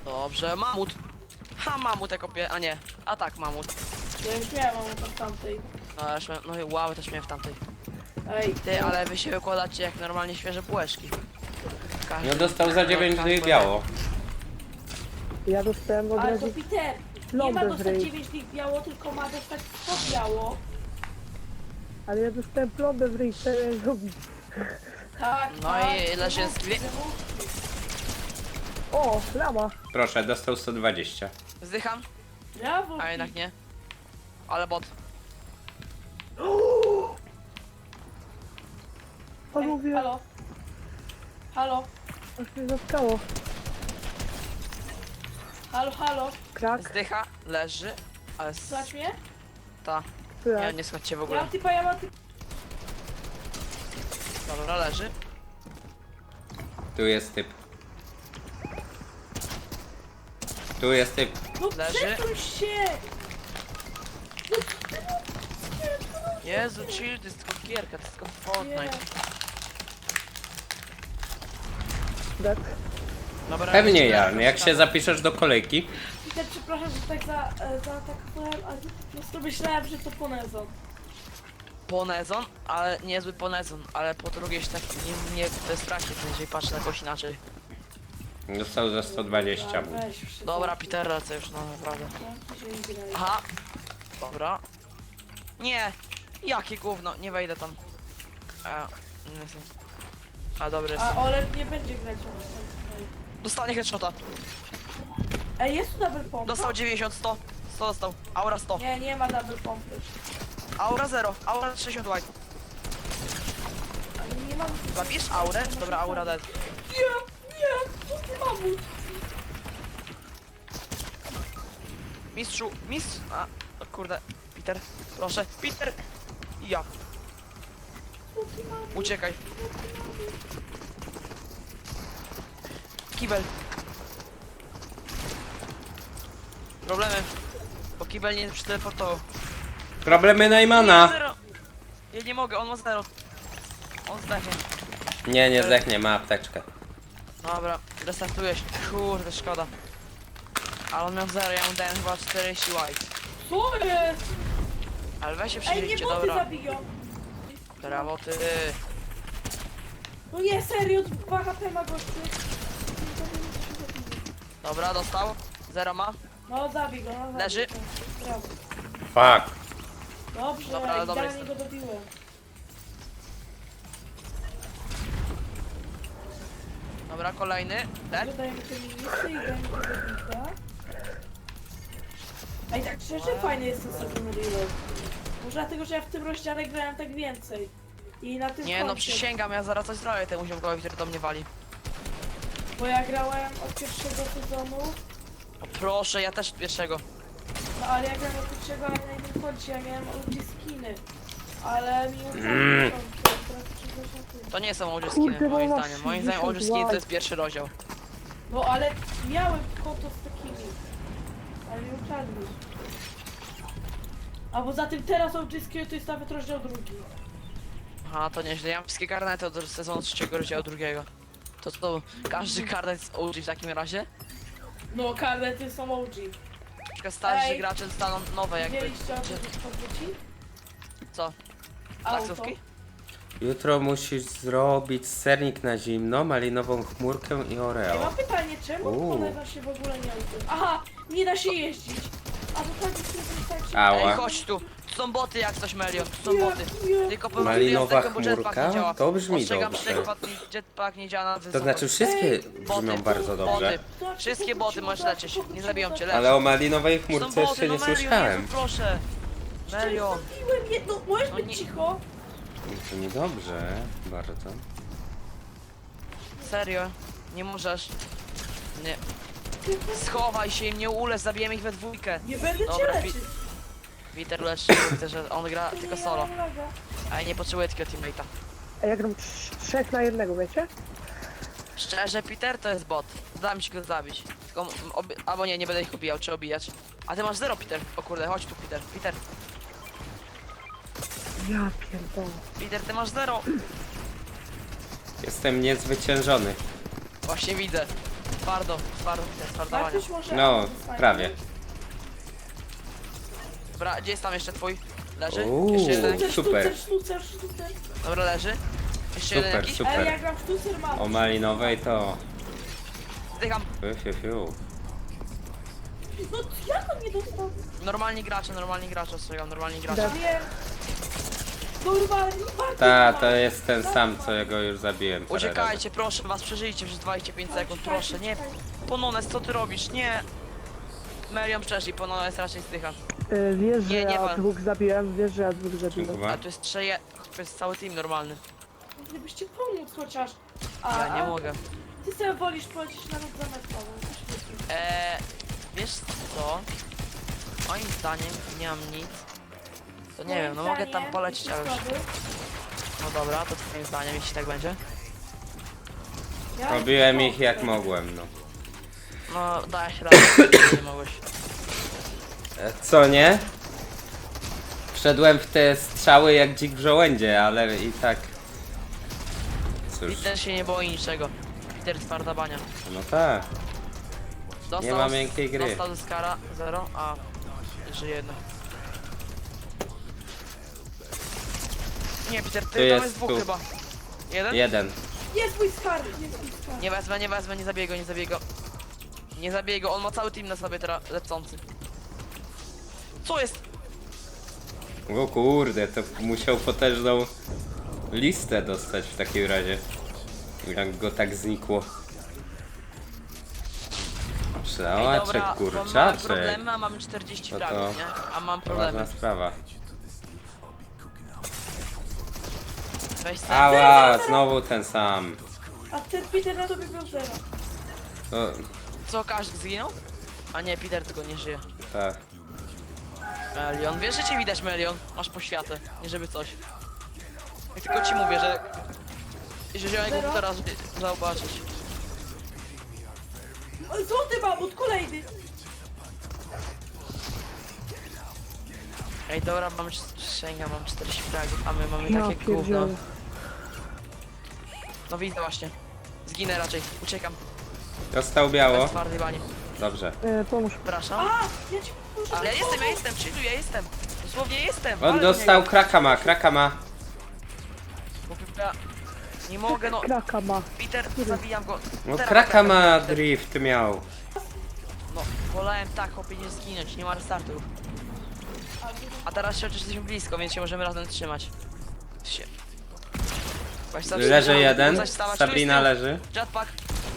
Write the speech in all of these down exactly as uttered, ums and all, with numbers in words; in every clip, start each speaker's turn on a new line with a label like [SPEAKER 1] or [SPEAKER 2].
[SPEAKER 1] Dobrze, mamut. Ha, mamut jako pie... a nie. A tak, mamut.
[SPEAKER 2] Ja już miałem mam w tamtej.
[SPEAKER 1] No, już miałem, no i wow, też miałem w tamtej.
[SPEAKER 2] Ej,
[SPEAKER 1] Ty, ale wy się wykładacie jak normalnie świeże bułeczki. Każdy,
[SPEAKER 3] No dostał za dziewięć
[SPEAKER 1] każdy
[SPEAKER 3] dych biało.
[SPEAKER 4] Ja dostałem od
[SPEAKER 2] ale to
[SPEAKER 4] razu
[SPEAKER 2] Peter, nie ma
[SPEAKER 4] plombę w
[SPEAKER 2] dostać
[SPEAKER 4] ryj.
[SPEAKER 2] dziewięć dych biało, tylko ma dostać sto biało.
[SPEAKER 4] Ale ja dostałem plombę w ryj, co ja zrobić?
[SPEAKER 2] Tak,
[SPEAKER 1] No
[SPEAKER 2] tak.
[SPEAKER 1] i ile się
[SPEAKER 2] wymówki,
[SPEAKER 1] skwie-
[SPEAKER 2] wymówki.
[SPEAKER 4] O, lama.
[SPEAKER 3] Proszę, dostał sto dwadzieścia.
[SPEAKER 1] Zdycham,
[SPEAKER 2] Brawo,
[SPEAKER 1] a jednak nie. Ale bot.
[SPEAKER 2] Ej,
[SPEAKER 4] Panowie,
[SPEAKER 2] halo. Halo,
[SPEAKER 4] aż mnie zatkało.
[SPEAKER 2] halo, halo.
[SPEAKER 4] Krak,
[SPEAKER 1] Zdycha, leży, ale z...
[SPEAKER 2] Słuchaj mnie?
[SPEAKER 1] ta. Nie,
[SPEAKER 4] krak.
[SPEAKER 1] nie słuchajcie w
[SPEAKER 2] Ja
[SPEAKER 1] ogóle.
[SPEAKER 2] mam typa, ja mam typa.
[SPEAKER 1] Dobra, leży.
[SPEAKER 3] Tu jest typ. Tu jest typ.
[SPEAKER 2] No
[SPEAKER 1] Leży.
[SPEAKER 2] przesuń się!
[SPEAKER 1] Jezu, chill, to jest tylko gierka, to jest tylko Fortnite.
[SPEAKER 2] Nie.
[SPEAKER 4] Krak.
[SPEAKER 1] Dobra,
[SPEAKER 3] Pewnie
[SPEAKER 1] jeszcze
[SPEAKER 3] Jan,
[SPEAKER 1] raz,
[SPEAKER 3] jak się zapiszesz do kolejki.
[SPEAKER 2] Peter, przepraszam, że tak za, e, zaatakowałem, ale po prostu myślałem, że to Ponezon.
[SPEAKER 1] Ponezon, ale niezły ponezon, ale po drugie się tak nie, nie bez trakcie, jeżeli patrzę na kogoś inaczej.
[SPEAKER 3] Dostał za sto dwadzieścia.
[SPEAKER 2] Dobra, weź wszystko.
[SPEAKER 1] Dobra, Peter, lecę już, no naprawdę.
[SPEAKER 2] Zamknij się i graj.
[SPEAKER 1] Aha, dobra. Nie, jakie gówno, nie wejdę tam. A, nie wiem. A dobry jest.
[SPEAKER 2] A Olek nie będzie grać.
[SPEAKER 1] Dostanie headshota.
[SPEAKER 2] Ej, jest tu double pompa?
[SPEAKER 1] Dostał dziewięćdziesiąt, sto. sto dostał. Aura sto.
[SPEAKER 2] Nie, nie ma double pompy.
[SPEAKER 1] Aura zero. Aura sześćdziesiąt white.
[SPEAKER 2] Ale nie mam...
[SPEAKER 1] Zabierz aurę? Dobra, aura dead.
[SPEAKER 2] Nie, nie, co ty mamut?
[SPEAKER 1] Mistrzu, mistrz... A, o kurde. Peter, proszę. Peter! Ja.
[SPEAKER 2] Co ty mamut?
[SPEAKER 1] Uciekaj. Kibel. Problemy. Bo kibel nie przyteleportował.
[SPEAKER 3] Problemy
[SPEAKER 1] Nie,
[SPEAKER 3] Najmana.
[SPEAKER 1] zero. Ja nie mogę, on ma zero. On zdechnie.
[SPEAKER 3] Nie, nie zdechnie, ma apteczkę.
[SPEAKER 1] Dobra, restartuję się. Kurde, szkoda. Ale on miał zero, ja mu dałem chyba czterdzieści white.
[SPEAKER 2] Co jest?
[SPEAKER 1] Ale weź się
[SPEAKER 2] Ej, nie
[SPEAKER 1] przyjrzyjcie,
[SPEAKER 2] boty
[SPEAKER 1] dobra.
[SPEAKER 2] zabiją.
[SPEAKER 1] Brawo ty.
[SPEAKER 2] No nie, serio, dwa H P ma gościu.
[SPEAKER 1] Dobra, dostał. Zero ma.
[SPEAKER 2] No zabij go, no zabij
[SPEAKER 1] Leży.
[SPEAKER 2] go. Brawo.
[SPEAKER 3] Fuck.
[SPEAKER 2] Dobrze,
[SPEAKER 1] Dobra, ale dobra
[SPEAKER 2] idealnie go dobiłem.
[SPEAKER 1] Dobra, kolejny. Dead.
[SPEAKER 2] Dodaj mi te minusy i daj mi tego bita. Ej, tak szczerze fajny jest ten Second Reload. Może dlatego, że ja w tym rozdziale grałem tak więcej. I na tym
[SPEAKER 1] Nie no,
[SPEAKER 2] koncie.
[SPEAKER 1] przysięgam, ja zaraz coś zrobię temu ziomkowi, który do mnie wali.
[SPEAKER 2] Bo ja grałem od pierwszego sezonu,
[SPEAKER 1] O proszę, ja też pierwszego.
[SPEAKER 2] no ale ja grałem od pierwszego, ale na innym koncie, ja miałem ulti skiny. Ale mi uciekło
[SPEAKER 3] Mm.
[SPEAKER 2] konto, teraz przyjdę się tu.
[SPEAKER 1] To nie są old
[SPEAKER 4] Kurde,
[SPEAKER 1] skiny, moim
[SPEAKER 4] mama,
[SPEAKER 1] zdaniem. Moim zdaniem old
[SPEAKER 4] sześćdziesiąt
[SPEAKER 1] skiny to
[SPEAKER 4] white.
[SPEAKER 1] jest pierwszy rozdział.
[SPEAKER 2] No ale miałem konto z takimi. Ale mi ukradli. A poza tym teraz O G Skill to jest nawet rozdział drugi.
[SPEAKER 1] Aha, to nieźle. Ja mam wszystkie karnety od sezonu trzeciego rozdziału drugiego. To co, każdy karnet jest O G w takim razie?
[SPEAKER 2] No karnety są O G.
[SPEAKER 1] Na przykład starsi
[SPEAKER 2] Ej.
[SPEAKER 1] gracze dostaną nowe jakby.
[SPEAKER 2] Widzieliście o tym podwróci?
[SPEAKER 1] Co?
[SPEAKER 2] Auto.
[SPEAKER 1] Taksówki?
[SPEAKER 3] Jutro musisz zrobić sernik na zimno, malinową chmurkę i
[SPEAKER 2] Ja
[SPEAKER 3] oreo.
[SPEAKER 2] mam pytanie, czemu
[SPEAKER 3] Uuu.
[SPEAKER 2] Ponezon się w ogóle nie auto? Aha, nie da się jeździć. A to tak jest tak się...
[SPEAKER 3] Ała.
[SPEAKER 1] Ej, chodź tu. Tu są boty jak coś, Melion. Tu są
[SPEAKER 2] Nie,
[SPEAKER 1] boty.
[SPEAKER 2] nie.
[SPEAKER 1] Tylko powiem,
[SPEAKER 3] Malinowa
[SPEAKER 1] ja z tego, bo jetpack
[SPEAKER 3] chmurka?
[SPEAKER 1] nie działa.
[SPEAKER 3] To brzmi
[SPEAKER 1] Ostrzegam,
[SPEAKER 3] dobrze.
[SPEAKER 1] że jetpack, jetpack nie działa na
[SPEAKER 3] To
[SPEAKER 1] wysoko.
[SPEAKER 3] znaczy wszystkie
[SPEAKER 2] Ej,
[SPEAKER 3] brzmią bardzo dobrze.
[SPEAKER 1] Boty. Wszystkie boty możesz leczyć. Nie zabiją cię, lecz.
[SPEAKER 3] Ale o malinowej
[SPEAKER 1] Są
[SPEAKER 3] chmurce
[SPEAKER 1] boty,
[SPEAKER 3] jeszcze
[SPEAKER 1] no
[SPEAKER 3] nie
[SPEAKER 1] Melion,
[SPEAKER 3] słyszałem.
[SPEAKER 1] Jezu, proszę. Melion.
[SPEAKER 2] Zabiłem jedno, możesz
[SPEAKER 1] No
[SPEAKER 2] być
[SPEAKER 1] nie-
[SPEAKER 2] cicho?
[SPEAKER 3] To niedobrze, bardzo.
[SPEAKER 1] Serio? Nie możesz. Nie. Schowaj się i mnie ulec, zabijemy ich we dwójkę.
[SPEAKER 2] Nie będę cię
[SPEAKER 1] Dobra,
[SPEAKER 2] leczyć.
[SPEAKER 1] Peter leczy, widzę, że on gra tylko
[SPEAKER 2] Nie,
[SPEAKER 1] solo.
[SPEAKER 2] ja mam laga.
[SPEAKER 1] A ja nie potrzebuję takiego teammate'a.
[SPEAKER 4] A ja gram trz- trzech na jednego, wiecie?
[SPEAKER 1] Szczerze, Peter to jest bot. Da mi się go zabić. Tylko, m- obi- albo nie, nie będę ich obijał, czy obijać. A ty masz zero, Peter. O kurde, chodź tu, Peter. Peter,
[SPEAKER 4] Ja pierdolę.
[SPEAKER 1] Peter, ty masz zero.
[SPEAKER 3] Jestem niezwyciężony.
[SPEAKER 1] Właśnie widzę. Twardo, twardo,
[SPEAKER 2] Ma
[SPEAKER 1] twardowania.
[SPEAKER 2] ktoś może...
[SPEAKER 3] No,
[SPEAKER 2] Fajnie.
[SPEAKER 3] prawie.
[SPEAKER 1] Dobra, gdzie jest tam jeszcze twój? Leży?
[SPEAKER 3] Uuu.
[SPEAKER 1] Jeszcze jeden
[SPEAKER 2] Sztucer,
[SPEAKER 1] jakiś?
[SPEAKER 3] Super.
[SPEAKER 2] sztucer, sztucer, sztucer.
[SPEAKER 1] Dobra, leży. Jeszcze jeden
[SPEAKER 3] Super,
[SPEAKER 1] jakiś?
[SPEAKER 3] super.
[SPEAKER 2] Ej, ja gram w sztucer, mam.
[SPEAKER 3] O malinowej to...
[SPEAKER 1] Zdycham.
[SPEAKER 3] Fiu, fiu, fiu.
[SPEAKER 2] No jak on nie dostał?
[SPEAKER 1] Normalni gracze, normalni gracze, ostrzegam, normalni gracze.
[SPEAKER 2] Ja wiem. Kurwa, ale nie bardzo
[SPEAKER 3] Ta,
[SPEAKER 2] ma.
[SPEAKER 3] to jest ten sam, co ja go już zabiłem. parę razy.
[SPEAKER 1] Uciekajcie, proszę was, przeżyjcie przez dwadzieścia pięć sekund, proszę, nie. Ponones, co ty robisz? Nie. Merion przeszli, Ponones raczej zdycha.
[SPEAKER 4] E, Wiesz, że
[SPEAKER 1] Nie, nie
[SPEAKER 4] ja
[SPEAKER 1] wal.
[SPEAKER 4] dwóch zabiłem, wiesz, że ja dwóch zabiłem.
[SPEAKER 3] Kurwa.
[SPEAKER 1] A tu jest trzeje... To jest cały team normalny.
[SPEAKER 2] Gdybyście pomóc chociaż. A,
[SPEAKER 1] Ja nie
[SPEAKER 2] a
[SPEAKER 1] mogę.
[SPEAKER 2] Ty sobie wolisz polecieć na lub zametrową.
[SPEAKER 1] Eee, wiesz co? Moim zdaniem nie mam nic. To nie wiem, no mogę tam polecieć, ale już. No dobra, to twoim zdaniem, jeśli tak będzie.
[SPEAKER 3] Robiłem ich jak mogłem, no.
[SPEAKER 1] No, dałeś radę, nie mogłeś.
[SPEAKER 3] E, Co nie? Wszedłem w te strzały jak dzik w żołędzie, ale i tak... Cóż,
[SPEAKER 1] Peter się nie boi niczego. Peter twarda bania.
[SPEAKER 3] no tak.
[SPEAKER 1] Dostał,
[SPEAKER 3] Nie ma miękkiej gry.
[SPEAKER 1] Dostał z kara zero, a żyje jedno. Nie, Peter, ty tam
[SPEAKER 3] jest
[SPEAKER 1] jest dwóch
[SPEAKER 3] tu.
[SPEAKER 1] chyba. Jeden?
[SPEAKER 3] Jeden.
[SPEAKER 2] Jest mój skarb, jest mój skarb.
[SPEAKER 1] Nie wezmę, nie wezmę, nie zabiję go, nie zabiję go. Nie zabiję go, on ma cały team na sobie teraz lecący. Co jest?
[SPEAKER 3] O kurde, to musiał potężną listę dostać w takim razie. Jak go tak znikło.
[SPEAKER 1] Ej,
[SPEAKER 3] Przełaczek,
[SPEAKER 1] dobra, bo mamy
[SPEAKER 3] kurczaczek.
[SPEAKER 1] problemy, a mamy czterdzieści
[SPEAKER 3] No to-
[SPEAKER 1] fragów, nie? A mam
[SPEAKER 3] To ważna
[SPEAKER 1] problemy.
[SPEAKER 3] sprawa.
[SPEAKER 1] Weź sam.
[SPEAKER 3] Ała, znowu ten sam.
[SPEAKER 2] A ten Peter na tobie był zero.
[SPEAKER 3] To,
[SPEAKER 1] Co, każdy zginął? A nie, Peter tylko nie żyje.
[SPEAKER 3] tak.
[SPEAKER 1] Melion, wiesz, że cię widać, Melion? Masz poświatę, nie żeby coś. Jak tylko ci mówię, że... Że wziąłem go teraz, żeby zobaczyć.
[SPEAKER 2] O, złoty mamut, kolejny.
[SPEAKER 1] Ej, dobra, mam sięga, mam czterdzieści fragów, a my mamy
[SPEAKER 4] Ja
[SPEAKER 1] takie gówno.
[SPEAKER 4] pierdzielę.
[SPEAKER 1] No widzę właśnie. Zginę raczej, uciekam.
[SPEAKER 3] Dostał biało.
[SPEAKER 1] Bez twardej bani.
[SPEAKER 3] Dobrze.
[SPEAKER 4] E, pomóż.
[SPEAKER 1] Przepraszam.
[SPEAKER 2] A, ja ci muszę...
[SPEAKER 1] Ale ja jestem, ja jestem, przyjdu, ja jestem. Dosłownie jestem.
[SPEAKER 3] On
[SPEAKER 1] ale
[SPEAKER 3] dostał
[SPEAKER 1] nie,
[SPEAKER 3] kraka ma, kraka ma.
[SPEAKER 1] bo ja nie mogę, no.
[SPEAKER 4] Kraka ma.
[SPEAKER 1] Peter, zabijam go.
[SPEAKER 3] No
[SPEAKER 1] Teraz
[SPEAKER 3] kraka
[SPEAKER 1] tak,
[SPEAKER 3] ma
[SPEAKER 1] Peter.
[SPEAKER 3] drift miał.
[SPEAKER 1] No, wolałem tak, chłopie, nie zginąć, nie ma restartu już. A teraz się chociaż jesteśmy blisko, więc się możemy razem trzymać. Się. Weź sobie
[SPEAKER 3] Leży
[SPEAKER 1] wstawać,
[SPEAKER 3] jeden.
[SPEAKER 1] wstawać, wstawać. Tu jest
[SPEAKER 3] Sabrina
[SPEAKER 1] tył.
[SPEAKER 3] leży.
[SPEAKER 1] Jetpack.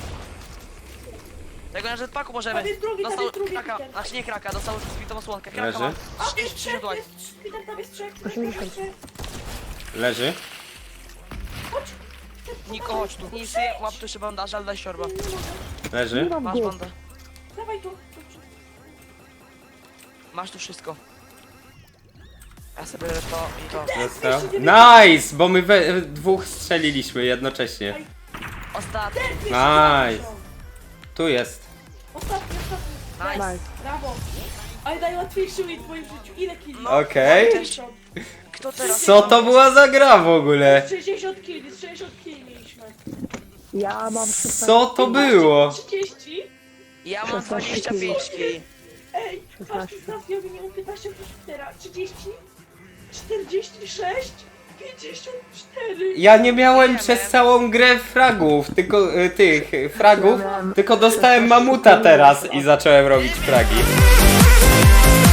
[SPEAKER 1] Tego na jetpacku możemy.
[SPEAKER 2] Tam jest drugi, tam
[SPEAKER 1] Dostał
[SPEAKER 2] jest drugi,
[SPEAKER 1] kraka,
[SPEAKER 2] Peter.
[SPEAKER 1] znaczy nie kraka, dostał zbitą osłonkę. Kraka
[SPEAKER 3] Leży.
[SPEAKER 1] ma.
[SPEAKER 2] A,
[SPEAKER 1] trzydzieści
[SPEAKER 2] jest
[SPEAKER 1] trzy
[SPEAKER 2] trzech,
[SPEAKER 1] dłoń.
[SPEAKER 2] jest trzech, Peter, tam jest trzech.
[SPEAKER 4] osiemdziesiąt.
[SPEAKER 2] Trzech.
[SPEAKER 3] Leży.
[SPEAKER 2] Chodź.
[SPEAKER 1] Niko, chodź tu. Nic, łap tu jeszcze bandaż, ale daj siorba.
[SPEAKER 4] Nie
[SPEAKER 3] Leży.
[SPEAKER 4] mam
[SPEAKER 1] Masz
[SPEAKER 4] go.
[SPEAKER 1] bandę.
[SPEAKER 2] Dawaj tu. Dobrze.
[SPEAKER 1] Masz tu wszystko. Ja sobie biorę to i to.
[SPEAKER 3] Dostał. Nice! Bo my we we dwóch strzeliliśmy jednocześnie.
[SPEAKER 1] Ostatni.
[SPEAKER 3] Nice. Tu jest.
[SPEAKER 2] Ostatni, ostatni.
[SPEAKER 1] Nice.
[SPEAKER 4] Nice.
[SPEAKER 2] Brawo. Ale najłatwiejszy win w moim życiu. Ile killi?
[SPEAKER 1] No.
[SPEAKER 3] Okej.
[SPEAKER 2] sześćdziesiąt.
[SPEAKER 1] Kto teraz?
[SPEAKER 3] Co to była za gra w ogóle?
[SPEAKER 2] sześćdziesiąt killi, sześćdziesiąt killi mieliśmy.
[SPEAKER 4] Ja mam szesnaście.
[SPEAKER 3] Co to było?
[SPEAKER 2] trzydzieści.
[SPEAKER 1] Ja mam dwadzieścia pięć kili.
[SPEAKER 2] Ej, patrz,
[SPEAKER 4] szesnaście.
[SPEAKER 2] teraz ja wymieniam piętnaście plus cztery. trzydzieści. czterdzieści sześć. pięćdziesiąt cztery.
[SPEAKER 3] Ja nie miałem
[SPEAKER 1] Nie
[SPEAKER 3] przez
[SPEAKER 1] wiem.
[SPEAKER 3] całą grę fragów, tylko y, tych y, fragów, tylko dostałem mamuta teraz i zacząłem robić fragi.